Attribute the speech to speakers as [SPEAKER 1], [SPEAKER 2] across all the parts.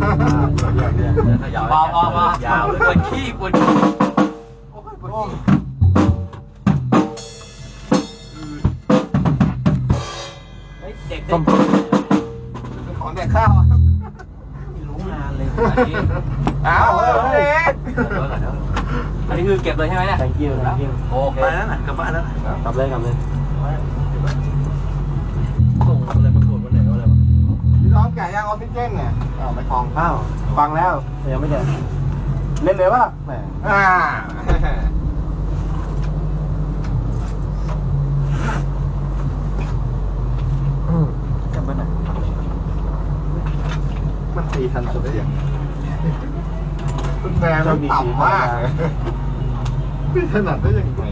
[SPEAKER 1] พอยาวเลยปวดขี้ปวดขี้เด็ก
[SPEAKER 2] ของแดกข้าว
[SPEAKER 1] ไม่รู้งานเลย
[SPEAKER 2] อ้าวเด็ก
[SPEAKER 1] อันนี้คือเก็บเลยใช่ไหมเนี่ย
[SPEAKER 3] thank you
[SPEAKER 1] โอเคไปแล้วนะกลับบ้านแล้ว
[SPEAKER 3] กลับเลย
[SPEAKER 1] ส่งอะไรมาตรวจวันไหนอะไรวะ
[SPEAKER 2] พี่น้องแก่ย่างออกซิเจนเนี่ยไปคลอง
[SPEAKER 3] อ้าวฟังแล้วแต่ยังไม่เจอเล่นเลยป่ะแหม
[SPEAKER 1] จำเป็นไหน
[SPEAKER 2] มันตีทันสุดได้ยังคุณแม่มันต่ำมากไม่ถนัดได้ยังไง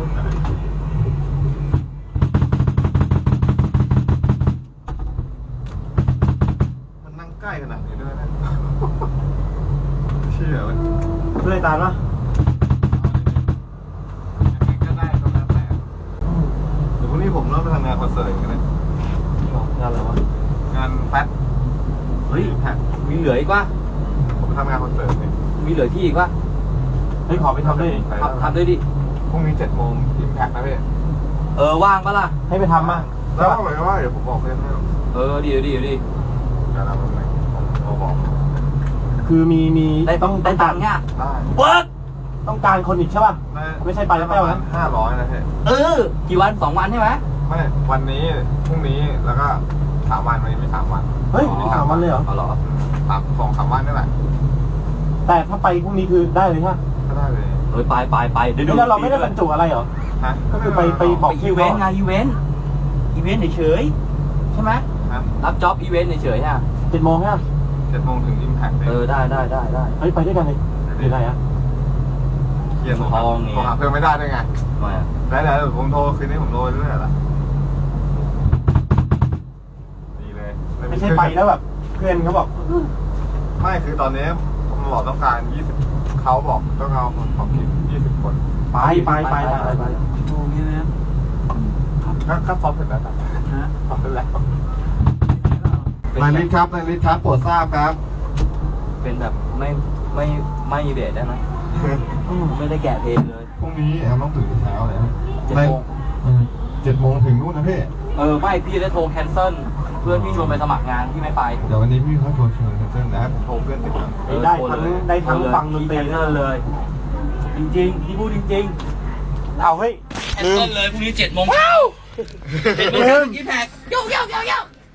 [SPEAKER 2] มันนั่งใกล้ขนาดนี้ด้วยนะเชื่อมัน
[SPEAKER 3] เพื่อตามปะ
[SPEAKER 2] ก็ได้ตรงนั้นแหละเดี๋ยวพรุ่งนี้ผมเริ่มไปทำงานคอนเสิร์ตกันเลย
[SPEAKER 3] งานอะไรวะ
[SPEAKER 2] งานแป๊ด
[SPEAKER 1] เฮ้ยมีเหลืออีกว่า
[SPEAKER 2] ผมไปทำงานคอนเสิร์ตเนี่ย
[SPEAKER 1] มีเหลือที่อีกว่า
[SPEAKER 3] เฮ้ยขอไปทำด้วย
[SPEAKER 1] ทำด้วยดิ
[SPEAKER 2] พรุ่งนี้7 โมงอิมแพคนะพี่
[SPEAKER 1] ว่างปะล่ะ
[SPEAKER 3] ให้ไปทำมา
[SPEAKER 2] แล้วบอกเลยว่าเดี๋ยวผมบอกเพื่อนให้
[SPEAKER 1] ดีเดี๋
[SPEAKER 2] ยวเราเป็นไงผมบอก
[SPEAKER 3] คือมี
[SPEAKER 1] ได้ตังค์เนี่ย
[SPEAKER 2] ได้
[SPEAKER 1] เวิร์ก
[SPEAKER 3] ต้องการคนอีกใช่ป่ะไม่ใช่ไปแล้วแป้วนะ
[SPEAKER 2] 500นะพี่
[SPEAKER 1] กี่วัน2 วันใช่ไหม
[SPEAKER 2] ไม่วันนี้พรุ่งนี้แล้วก็3 วันวันนี้ไม่3 วัน
[SPEAKER 3] เฮ้ยไม่3 วันเลยเหรอ
[SPEAKER 1] เหรอ
[SPEAKER 2] 2-3 วันนี่แหละ
[SPEAKER 3] แต่ถ้าไปพรุ่งนี้คือได้เลยใช่ไหม
[SPEAKER 2] ก็ได้เลย
[SPEAKER 1] ไปเดี๋ยว
[SPEAKER 3] แล้วเราไม่ได้บรรจุอะไรเหรอ
[SPEAKER 2] ฮะ
[SPEAKER 3] ก็คือไปบอก
[SPEAKER 1] อีเวนต์อีเวนต์เฉยใช่ไหมรับจ็อบอีเวนต์เฉยๆ
[SPEAKER 3] 7 โมงใช่ไหม
[SPEAKER 2] 7 โมงถึงอิมแพค
[SPEAKER 1] ได้
[SPEAKER 3] เฮ้ยไปด้วยกันเลยอยู่ไหน
[SPEAKER 2] เคลียร์ทองโทรหาเพื่อนไม่ได้ด้วยไงได้ผมโทรคืนนี้ผมโทรเรื่อยๆละดีเลย
[SPEAKER 3] ไม่ใช่ไปแล้วแบบเพื่อนเขาบอก
[SPEAKER 2] ไม่คือตอนนี้ผมบอกต้องการ20เขาบอกต้องเอาของทีม20 คน
[SPEAKER 3] ไป
[SPEAKER 1] โอ้ยนะ
[SPEAKER 2] ก็ซ้อมเสร็จแล้วซ้อมเสร็จแล้วนายลิศครับโปรดทราบครับ
[SPEAKER 1] เป็นแบบไม่เบสได้ไหมไม่ได้แกะเพลงเลย
[SPEAKER 2] พรุ่งนี้แอมต้องตื่นเช้าเลย7 โมงถึงนู่นนะพี่
[SPEAKER 1] ไม่พี่ได้โทรแคนเซิลเพื่อนพี่ชวนไปสมัครงานพี่ไม่ไป
[SPEAKER 2] เดี๋ยววันนี้พี่เขาโทรชวนแคนเซิลนะผมโทรเพื่อนติดกัน
[SPEAKER 3] ได้ทั้งฟังดนตรี
[SPEAKER 1] เลยจริงพี่พูดจริง
[SPEAKER 3] เอาเฮ้ย
[SPEAKER 1] แคนเซิลเลยพรุ่งนี้7 โมงเช้า7 โมงเช้ากินแพ็คโย่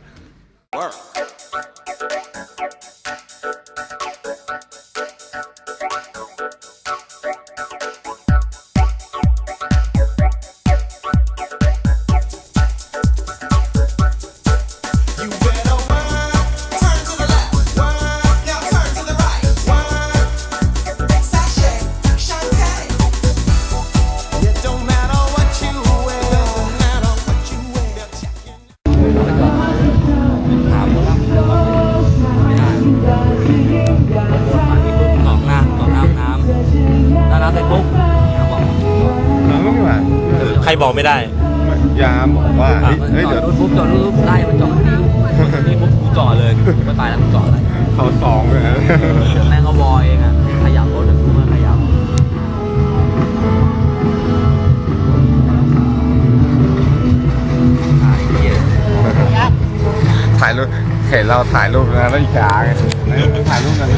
[SPEAKER 3] ใครบอกไม่ได้
[SPEAKER 2] ยามบอกว่าเฮ้ยเดี๋ยว
[SPEAKER 1] ปุ๊บจอดรูปไล่มันจอดนี่ปุ๊บกูจอดเลยไม่ไปแล้วกูจอดอะไร
[SPEAKER 2] เขา2เลยนะ
[SPEAKER 1] แม่งเขาบอยเองขยับรถกูมาขยับ
[SPEAKER 2] ถ่ายรูปเห็นเราถ่ายรูปนะแล้วอีกาไงถ่ายรูปกัน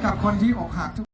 [SPEAKER 4] กับคนที่อกหักทุก